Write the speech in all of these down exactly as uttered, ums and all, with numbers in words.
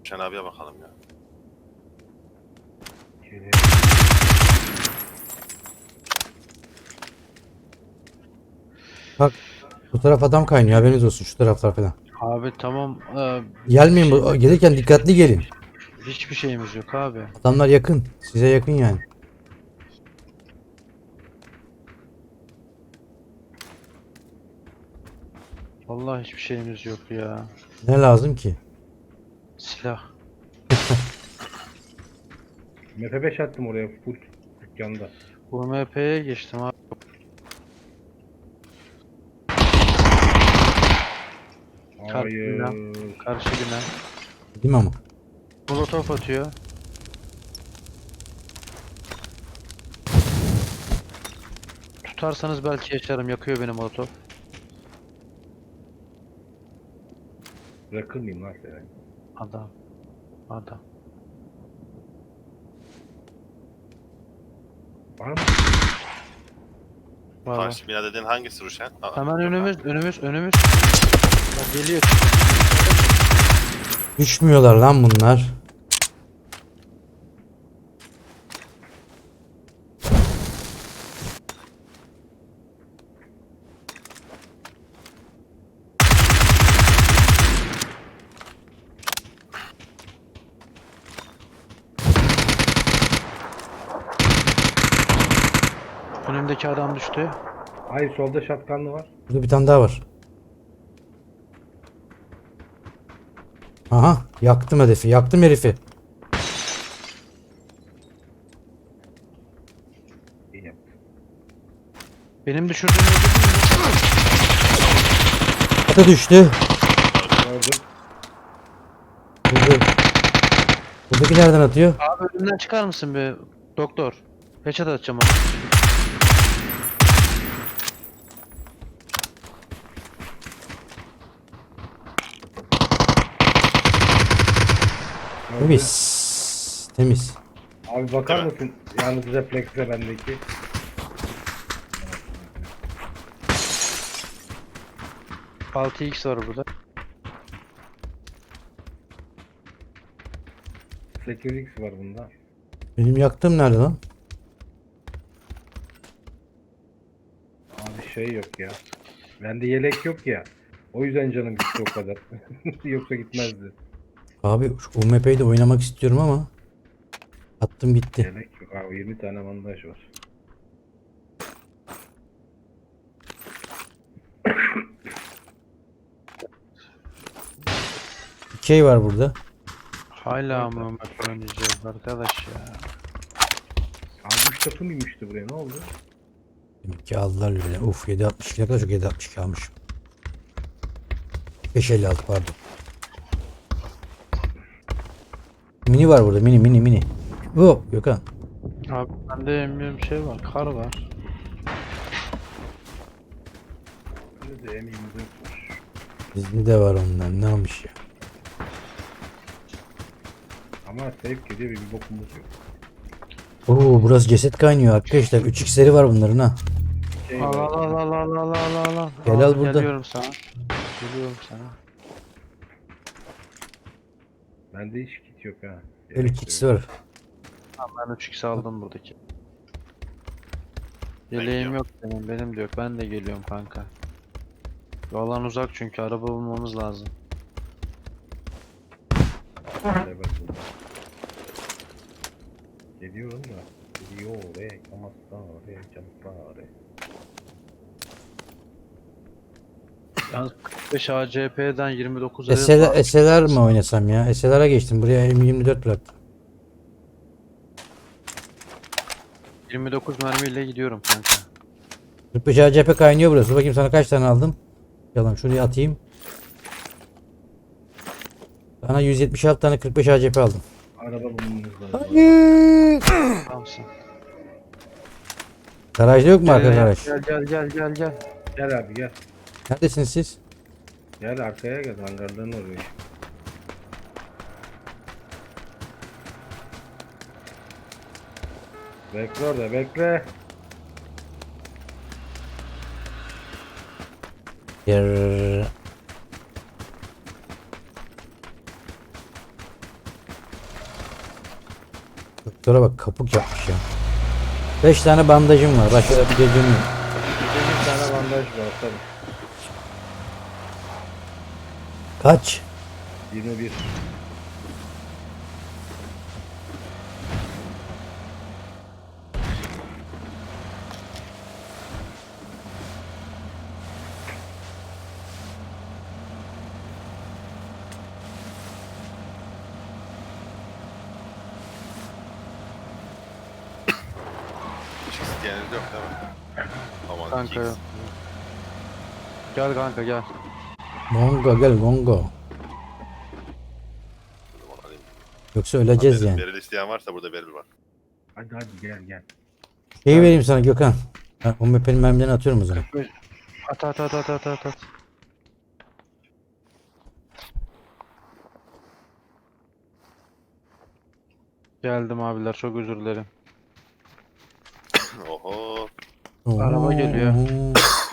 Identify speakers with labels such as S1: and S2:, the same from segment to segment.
S1: Şen abiye bakalım ya.
S2: Bak bu taraf adam kaynıyor, haberiniz olsun, şu taraflar falan.
S3: Abi tamam. Ee,
S2: Gelmeyin, bu
S3: şeyimiz-
S2: gelirken dikkatli gelin.
S3: Hiçbir şeyimiz yok abi.
S2: Adamlar yakın. Size yakın yani.
S3: Vallahi hiçbir şeyimiz yok ya.
S2: Ne lazım ki?
S3: Silah.
S4: M P beş attım oraya full dükkanda.
S3: U M P'ye geçtim abi.
S4: Hayır.
S3: Karşı bina.
S2: Değil mi ama?
S3: Molotof atıyor. Tutarsanız belki yaşarım. Yakıyor beni molotof.
S4: Bırakır mıyım lan seni?
S3: Adam. Adam.
S4: Var mı?
S3: Var var.
S1: Karşı bina dediğin hangisi Ruşen? Aa,
S3: Hemen
S1: yok
S3: önümüz,
S1: abi.
S3: önümüz, önümüz. Bak geliyor.
S2: Düşmüyorlar lan bunlar.
S3: Önümdeki adam düştü.
S4: Hayır, solda şatkanlı var.
S2: Burada bir tane daha var. Aha, yaktım hedefi, yaktım herifi.
S4: İyi yaptın.
S3: Benim düşürdüğüm öldürdün mü?
S2: Ata düştü.
S4: Gördüm.
S2: Burada. Buradaki nereden atıyor?
S3: Abi önümden çıkar mısın bir doktor? Headshot atacağım ona.
S4: Gördüm.
S2: Temiz. Temiz.
S4: Abi bakar
S1: Değil mi?
S4: mısın? Yalnız refleksle bendeki.
S3: altı x var burada.
S4: sekiz x var bunda.
S2: Benim yaktığım nerede lan?
S4: Abi şey yok ya. Bende yelek yok ya. O yüzden canım gitti o kadar. Yoksa gitmezdi.
S2: Abi şu U M P'yi de oynamak istiyorum ama attım gitti.
S4: Yelek yok. Abi yirmi tane bandaj var.
S2: Dikey var burada.
S3: Hala mı Ömer oynayacağız arkadaş ya?
S4: Abi üç takım inmişti buraya, ne oldu?
S2: Demek ki aldılar bile. Uf, yedi altmış iki, ne kadar çok yedi altmış iki almışım. beş elli altı pardon. Mini var burada, mini mini mini. Hop Gökhan.
S3: Abi bende emmiyorum şey var, kar var.
S4: Bende de M yirmi dört var.
S2: Bizde de var ondan, ne almış ya.
S4: Ama safe gidiyor ve bir bokumuz yok.
S2: Oo, burası ceset kaynıyor arkadaşlar. üç x'leri var bunların ha.
S4: Şey
S3: Al
S4: var.
S3: al al al al al al al.
S2: Gel al burada.
S3: Geliyorum sana. Geliyorum sana.
S4: Bende hiç kit yok ha.
S2: Böyle üç x var.
S3: Tamam ben üç x aldım buradaki.
S1: Ben
S3: Yeleğim
S1: gidiyorum.
S3: yok benim, benim de yok. Ben de geliyorum kanka. Yoldan uzak çünkü araba bulmamız lazım.
S4: Evet, burada. Geliyorum da. Geliyor oraya. Kamasta oraya. Camasta oraya.
S3: Yalnız kırk beş A C P'den yirmi dokuz
S2: S L R mi oynasam ya? S L R'a geçtim. Buraya M yirmi dört bıraktım.
S3: yirmi dokuz mermiyle gidiyorum kanka.
S2: kırk beş A C P kaynıyor burası. Bakayım sana kaç tane aldım. Yalan şuraya atayım. Sana yüz yetmiş altı tane kırk beş A C P aldım.
S4: Araba bulmamız lazım.
S2: Hayır.
S3: Tamamsın.
S2: Garajda yok mu arka
S3: Gel,
S2: garaj?
S3: gel gel gel gel gel.
S4: Gel abi gel.
S2: Neredesiniz siz?
S4: Gel arkaya gel. Hangardan oraya. Bekle orada bekle.
S2: Yer. Doktora bak kapuk yapmış ya. Beş tane bandajım var. Başka bir gecem yok.
S4: Bir tane bandaj var tabii.
S2: Kaç?
S4: yirmi bir.
S1: Hiç isteyeniniz yok değil mi? Aman
S3: Kanka
S1: Kings.
S3: yok. Gel kanka gel.
S2: Gongo gel Gongo.
S1: Dur, alayım.
S2: Yoksa öleceğiz
S1: Beril-
S2: yani.
S1: Beril isteyen varsa burada Beril var.
S4: Hadi hadi gel gel.
S2: Şeyi vereyim sana Gökhan. Ha, o mepenin mermilerini atıyorum o zaman.
S3: At at at at at at at. Geldim abiler, çok özür dilerim.
S1: Oho.
S3: Araba geliyor.
S2: Oo.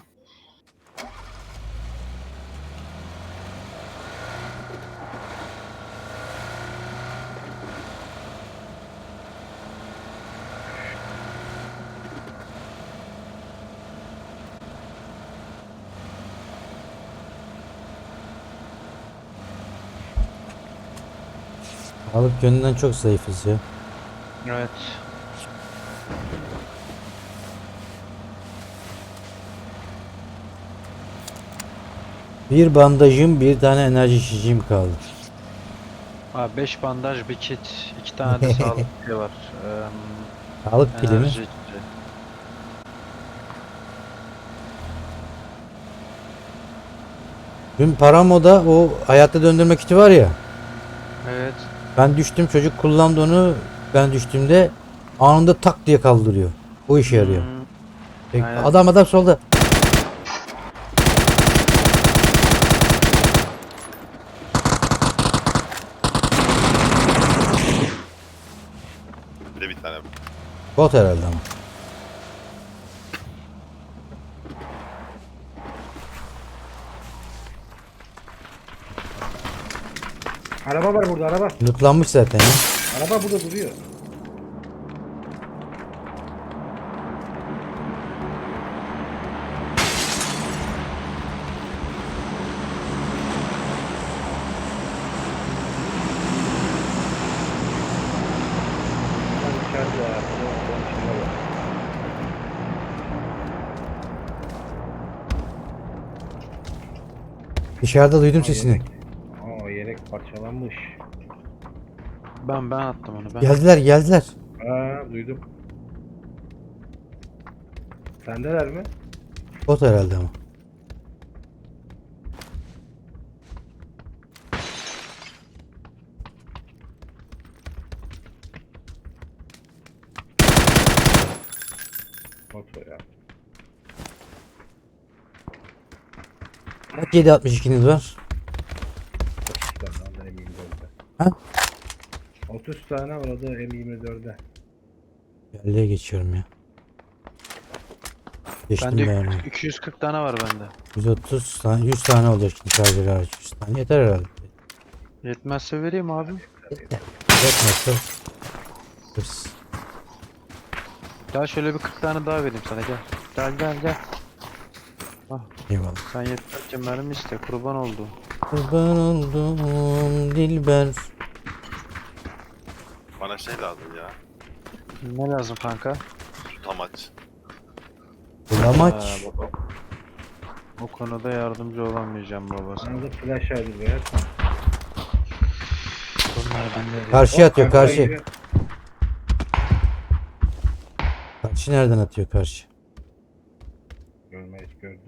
S2: Sağlık yönünden çok zayıfız ya.
S3: Evet.
S2: Bir bandajım, bir tane enerji içeceğim kaldı.
S3: Abi beş bandaj, bir kit, iki tane de sağlık şey var. Eee
S2: Sağlık pili mi?
S3: enerji içeceği.
S2: Dün Paramo'da o hayatta döndürme kiti var ya.
S3: Evet.
S2: Ben düştüm, çocuk kullandı onu. Ben düştüğümde anında tak diye kaldırıyor. Bu işe yarıyor.
S3: Hmm,
S2: Peki,
S3: aynen.
S2: adam adam solda.
S1: Bir de bir tane.
S2: Bot herhalde ama.
S4: Araba var burada araba.
S2: Lootlanmış zaten ya.
S4: Araba burada duruyor. Lan içeride ya. Bunun içinde var.
S2: Dışarıda duydum
S4: Aa,
S2: sesini.
S4: yelek. Aa yelek parçalanmış.
S3: Ben ben attım onu ben.
S2: Geldiler geldiler.
S4: Aa duydum. Sendeler mi?
S2: Bot herhalde ama.
S4: Motor ya.
S2: Kaç yedi altmış ikiniz var?
S4: otuz tane orada M yirmi dörtte.
S2: Ha?
S4: otuz tane orada M yirmi dörtte.
S2: Yerliğe geçiyorum ya. Geçtim
S3: Bende
S2: ben onu.
S3: iki yüz kırk tane var bende.
S2: yüz otuz tane, yüz tane olacak şimdi şarjör hariç. yüz tane yeter herhalde.
S3: Yetmezse vereyim abi.
S2: Yetmezse. Hırs.
S3: Gel şöyle bir kırk tane daha vereyim sana, gel. Gel gel gel.
S2: Eyvallah.
S3: Sen yetmezken mermi iste, kurban oldum.
S2: Kurban oldum Dilber.
S1: Bana şey lazım ya.
S3: Ne lazım kanka?
S1: Tutamaç.
S2: Bulamaç.
S3: Ha, baba. O konuda yardımcı olamayacağım baba sana.
S4: Sana da flash aydı be ya.
S3: Bunlar bende.
S2: Karşıya
S4: Hop,
S2: atıyor
S4: kanka
S2: karşı.
S4: gidiyor.
S2: Karşı nereden atıyor karşı?
S4: Görmeyiz gördüm.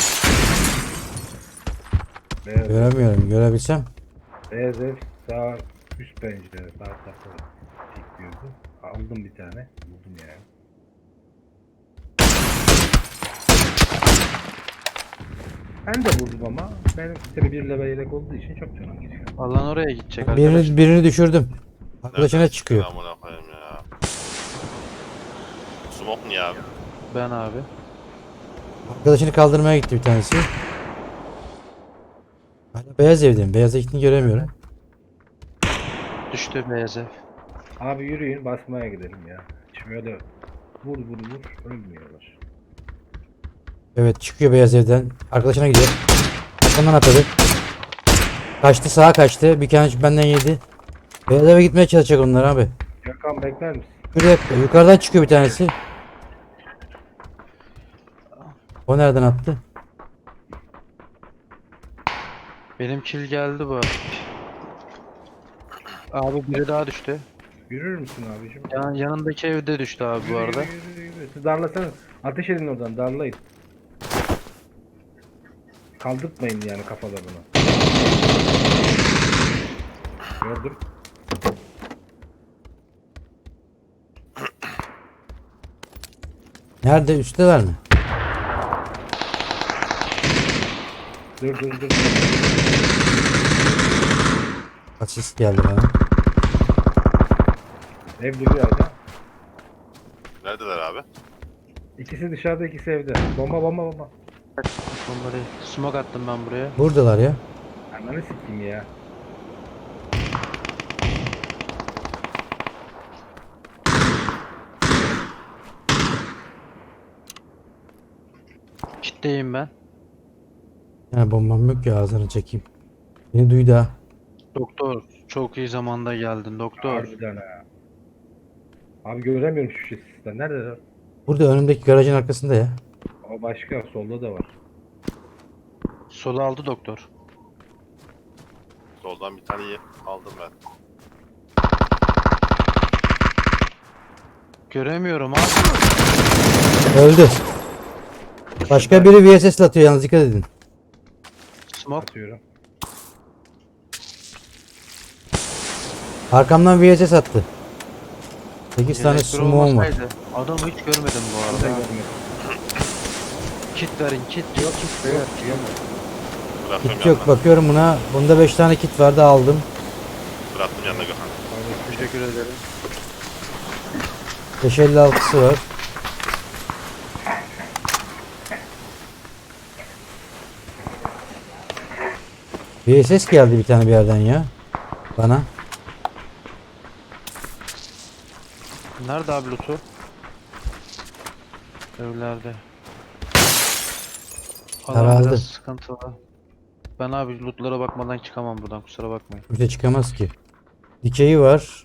S4: Beyaz,
S2: Göremiyorum. Görebilsem.
S4: beyaz ev sağ üst pencere sağ tarafta çekiyordu. Aldım bir tane. Buldum yani. Ben de buldum ama benim tabii bir level yelek olduğu için çok canım gidiyor.
S3: Alan oraya gidecek arkadaş.
S2: Birini, birini düşürdüm. Arkadaşına
S1: Nereden
S2: çıkıyor.
S1: Amına koyayım ya. Smoke niye abi?
S3: Ben abi.
S2: Arkadaşını kaldırmaya gitti bir tanesi. Hala beyaz evdeyim. Beyaz ekini göremiyorum.
S3: Düştü beyaz ev.
S4: Abi yürüyün basmaya gidelim ya. Şöyle vur vur vur ölmüyorlar.
S2: Evet çıkıyor beyaz evden. Arkadaşına gidiyor. Arkamdan atladı. Kaçtı sağa kaçtı. Bir tane benden yedi. Beyaz eve gitmeye çalışacak onlar abi.
S4: Gökhan bekler misin?
S2: Şuraya yukarıdan çıkıyor bir tanesi. O nereden attı?
S3: Benim kill geldi bu. Abi biri daha düştü.
S4: Yürür müsün abicim?
S3: Yan, yanındaki evde düştü abi bu
S4: Yürü,
S3: arada.
S4: Yürü, yürü, yürü. Siz darlasanız. Ateş edin oradan darlayın. Kaldırtmayın yani kafalarını. Gördüm.
S2: Nerede? Üstteler mi?
S4: Dur dur dur.
S2: Asist geldi bana.
S4: Ev duruyor hala.
S1: Neredeler abi?
S4: İkisi dışarıda ikisi evde. Bomba bomba bomba.
S3: Onları smoke attım ben buraya.
S2: Buradalar ya.
S4: Ananı sikeyim ya.
S3: Kitleyim ben.
S2: Yani bombam yok ya ağzını çekeyim. Beni duydu ha.
S3: Doktor çok iyi zamanda geldin doktor.
S4: Harbiden ha. Abi göremiyorum şu sistemden. Nerede?
S2: Burada önümdeki garajın arkasında ya.
S4: O başka solda da var.
S3: Solu aldı doktor.
S1: Soldan bir tane ye- aldım ben.
S3: Göremiyorum abi.
S2: Öldü. Başka biri V S S atıyor yalnız dikkat edin.
S3: Smoke.
S4: Atıyorum.
S2: Arkamdan V S S attı. sekiz tane
S3: Yelek bir
S2: smoke'um var.
S3: olmasaydı, adamı hiç görmedim bu
S4: Burada
S3: arada.
S4: görmedim.
S3: Kit verin kit.
S4: Yok hiç de yok. Yok.
S1: Bıraktım
S2: Kit yok
S1: yanına.
S2: bakıyorum buna. Bunda beş tane kit vardı aldım.
S1: Bıraktım yanına Gökhan.
S3: Teşekkür ederim.
S2: beş elli altısı var. V S S geldi bir tane bir yerden ya. Bana.
S3: Nerede abi lootu? Evlerde. Alan
S2: Herhalde.
S3: biraz sıkıntılı. Ben abi lootlara bakmadan çıkamam buradan, kusura bakmayın.
S2: Kimse çıkamaz ki. Dikeyi var.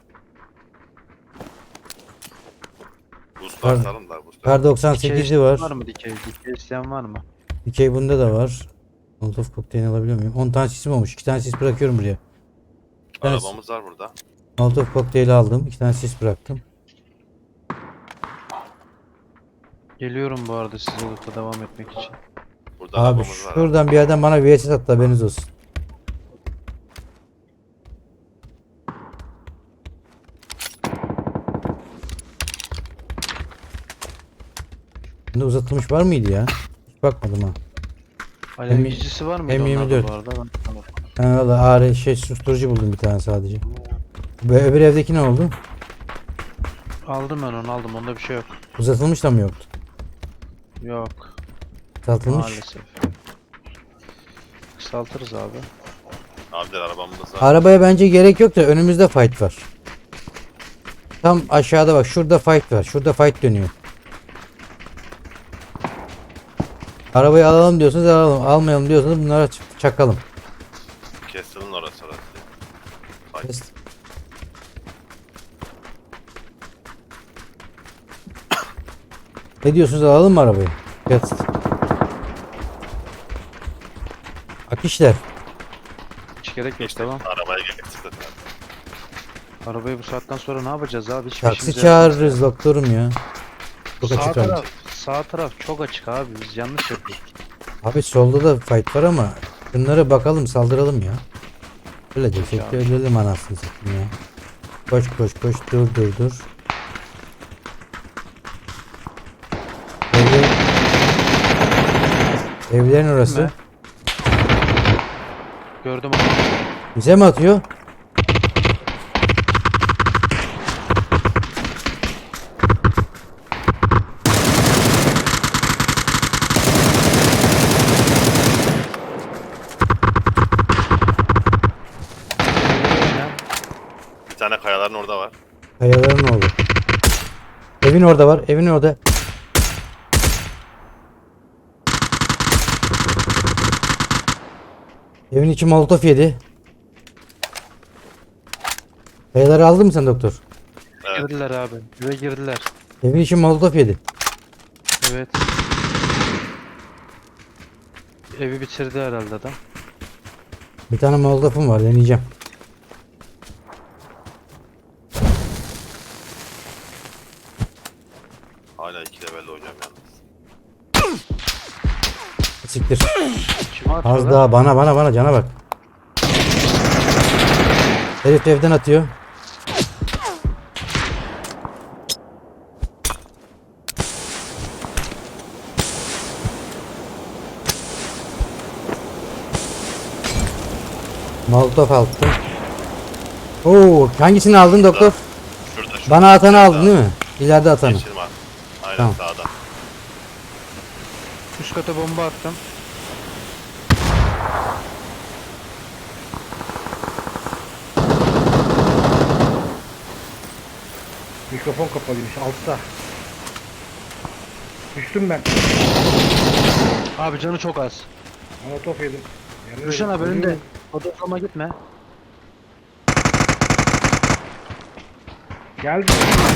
S1: Boost
S2: Var.
S1: var sarın da boost.
S2: Kar doksan sekizi
S3: Dikey
S2: var.
S3: var mı dikey? Dikey isteyen var mı?
S2: Dikey bunda da var. Molotov kokteyl alabiliyor muyum? on tane sisim olmuş. iki tane sis bırakıyorum buraya. İki tane
S1: Arabamız var burada.
S2: Molotov kokteyli aldım. iki tane sis bıraktım.
S3: Geliyorum bu arada size loot'a devam etmek için.
S1: Burada
S2: Abi
S1: arabamız var.
S2: şuradan bir yerden bana V S S attı haberiniz olsun. Bunda uzatılmış var mıydı ya? Hiç bakmadım ha.
S3: Alevicisi var mıydı
S2: M yirmi
S3: onlarda
S2: dört.
S3: bu arada? Ben- Tamam.
S2: Ben valla ağrı şey susturucu buldum bir tane sadece. Bu öbür evdeki ne oldu?
S3: Aldım ben onu aldım, onda bir şey yok.
S2: Uzatılmış da mı yoktu?
S3: Yok
S2: Uzatılmış.
S3: maalesef. Kısaltırız abi.
S1: Abiler arabamız var.
S2: Arabaya bence gerek yok da önümüzde fight var. Tam aşağıda bak şurada fight var. Şurada fight dönüyor. Arabayı alalım diyorsanız alalım. Almayalım diyorsanız bunlara ç- çakalım.
S1: Kestil'in orası orası. Ay,
S2: Kes. Ne diyorsunuz alalım mı arabayı? Kes. Akişler.
S3: Hiç gerek yok, tamam.
S1: arabaya getirdim.
S3: Arabayı bu saatten sonra ne yapacağız abi? Hiçbir
S2: Taksi
S3: işimize
S2: çağırırız doktorum ya. Çok
S3: Sağ
S2: açık
S3: taraf,
S2: abi.
S3: sağ taraf çok açık abi. Biz yanlış yapıyoruz.
S2: Abi solda da fight var ama bunlara bakalım saldıralım ya. Öyle desek de
S3: abi.
S2: ölelim anasını satayım ya. Koş koş koş dur dur dur. Evler... Evlerin orası.
S3: Mi? Gördüm onu.
S2: Bize mi atıyor?
S1: Bir tane kayaların orada var.
S2: Kayaların oldu. Evin orada var. Evin orada. Evin içi molotof yedi. Kayaları aldın mı sen doktor?
S1: Evet.
S3: Girdiler abi. Eve girdiler.
S2: Evin içi molotof yedi.
S3: Evet. Evi bitirdi herhalde adam.
S2: Bir tane molotofum var, deneyeceğim.
S1: Hala iki level hocam yalnız.
S2: Siktir.
S3: Kime atıyorlar?
S2: Az daha bana bana bana cana bak. Herif evden atıyor. Molotof attım. Oo, hangisini aldın doktor?
S1: Şurada şurada.
S2: Bana atanı aldın
S1: Sağda.
S2: değil mi? İleride atanı.
S1: Geçirme abi. Aynen
S2: Tamam.
S1: sağda.
S3: Üst kata bomba attım.
S4: Mikrofon kapalıymış altta. Düştüm ben.
S3: Abi canı çok az.
S4: Molotof yedim. Yanıyorum.
S3: Rüşen abi önünde.
S4: Ölüyorum.
S3: Odaklanma gitme.
S4: Geldi.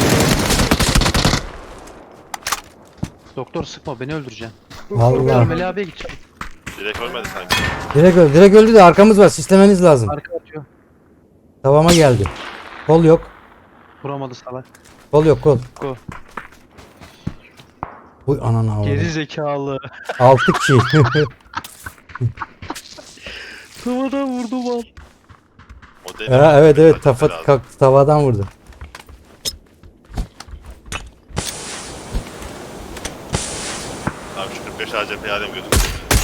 S3: Doktor sıkma beni öldüreceksin.
S2: Vallahi.
S3: Melih abiye gideceğim.
S1: Direkt ölmedi sanki.
S2: Direkt öldü. Direkt öldü de arkamız var. Sistemeniz lazım.
S3: Arka atıyor.
S2: Tavama geldi. Kol yok.
S3: Vuramadı salak.
S2: Kol yok kol.
S3: Go.
S2: Uy anana avradım.
S3: Geri zekalı.
S2: Altı kill.
S3: Tavadan vurdum al.
S1: O değil.
S2: Ha, evet evet
S1: Kaçması
S2: tafa,
S1: lazım.
S2: kalk- tavadan vurdu.
S1: Abi şu kırk beş A C P'yi alayım gözüküyor.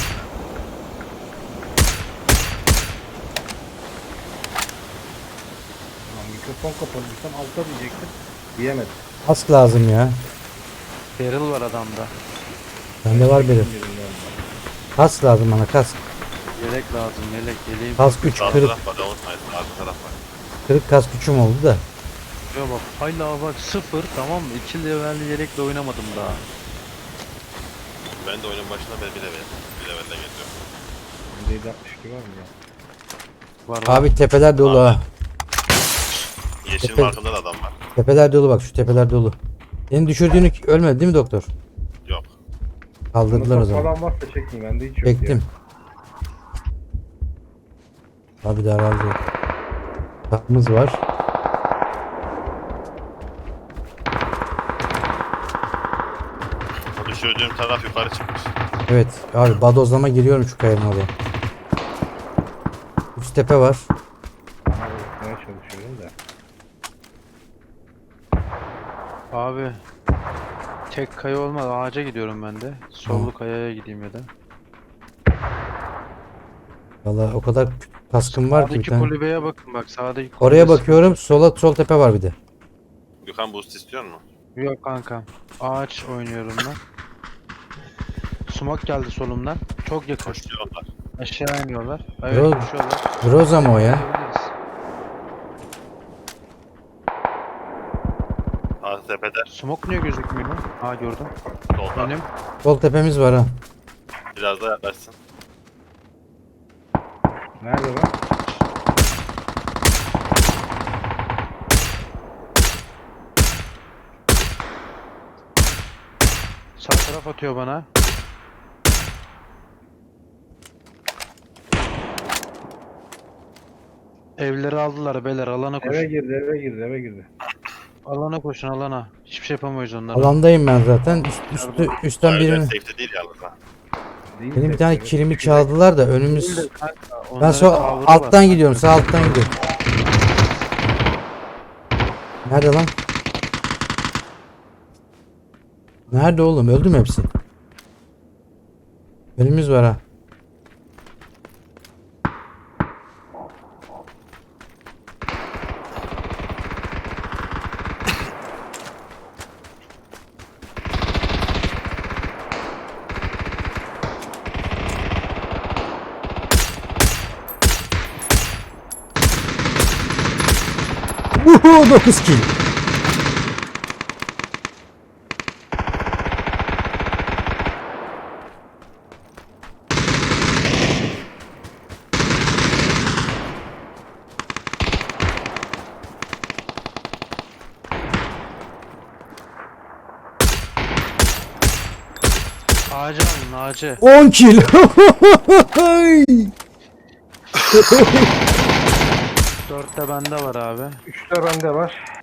S4: Lan mikrofon kapalıysam altta diyecektim. Diyemedim.
S2: Kask lazım ya.
S3: Barrel var adamda.
S2: Bende var benim.
S4: Birinden.
S2: Kask lazım bana kask.
S3: Yelek lazım yelek yeleğim.
S2: Kask üç
S1: Sağ
S2: kırık.
S1: taraf var da unutmayın. Arka taraf var.
S2: Kırık kask üçüm oldu da.
S3: Ya bak hala bak sıfır tamam mı? iki levelli yelekle oynamadım daha.
S1: Ben de oyunun başında ben bir level. Bir levelden geçiyorum.
S4: Bende yedi altmış iki var mı ya?
S3: Var var.
S2: Abi tepeler dolu ha.
S1: Yeşil
S2: Tepe-
S1: markında da adam var.
S2: Tepeler dolu bak şu tepeler dolu. Senin düşürdüğünü ölmedi değil mi doktor?
S1: Yok.
S2: Kaldırdılar o
S4: Molotof
S2: zaman.
S4: falan varsa çekin bende hiç yok
S2: Çektim. Abi daraldı. Kapımız var.
S1: O düşürdüğüm taraf yukarı çıkmış.
S2: Evet abi badozlama giriyorum şu kayanın oraya. Üst tepe var.
S4: ya. Aha bakmaya çalışıyorum da.
S3: Abi. Tek kaya olmaz ağaca gidiyorum ben de. Sollu
S2: Tamam.
S3: kayaya gideyim ya da.
S2: Valla o kadar kaskım var ki bir
S3: Sağdaki
S2: tane.
S3: kulübeye bakın bak sağdaki
S2: Oraya
S3: kulübesi-
S2: bakıyorum. Sola sol tepe var bir de.
S1: Gökhan boost istiyor mu?
S3: Yok kanka. Ağaç oynuyorum ben. Smoke geldi solumdan. Çok yakın.
S1: Koşuyorlar.
S3: Aşağı iniyorlar. Evet
S2: Bro-
S3: koşuyorlar.
S2: Groza mı o ya?
S3: Gidebiliriz.
S1: Sağ tepede.
S3: Smoke niye gözükmüyor? Ha gördüm.
S1: Solda.
S3: Benim.
S2: Sol tepemiz var ha.
S1: Biraz daha yaklaşsın.
S4: Nerede lan?
S3: Sağ taraf atıyor bana. Evleri aldılar beyler alana
S4: Eve
S3: koşun.
S4: girdi eve girdi eve girdi.
S3: Alana koşun alana. Hiçbir şey yapamayız onlara.
S2: Alandayım ben zaten. Üst, üstü, üstten
S1: Evler
S2: birini.
S1: safety değil yalnız ha.
S4: Değil
S2: Benim
S4: de-
S2: bir tane
S4: evet,
S2: kilimi
S4: düşecek.
S2: çaldılar da
S3: Değil
S2: önümüz.
S3: de kanka,
S2: Ben
S3: onların
S2: sol
S3: cover'ı
S2: alttan
S3: var.
S2: gidiyorum. Sağ alttan gidiyorum. Nerede lan? Nerede oğlum? Öldü mü hepsi? Önümüz var ha. Uhu dokuz kill.
S3: Ağacı alın ağacı.
S2: on kill.
S3: Dörtte bende var abi.
S4: Üçte bende var.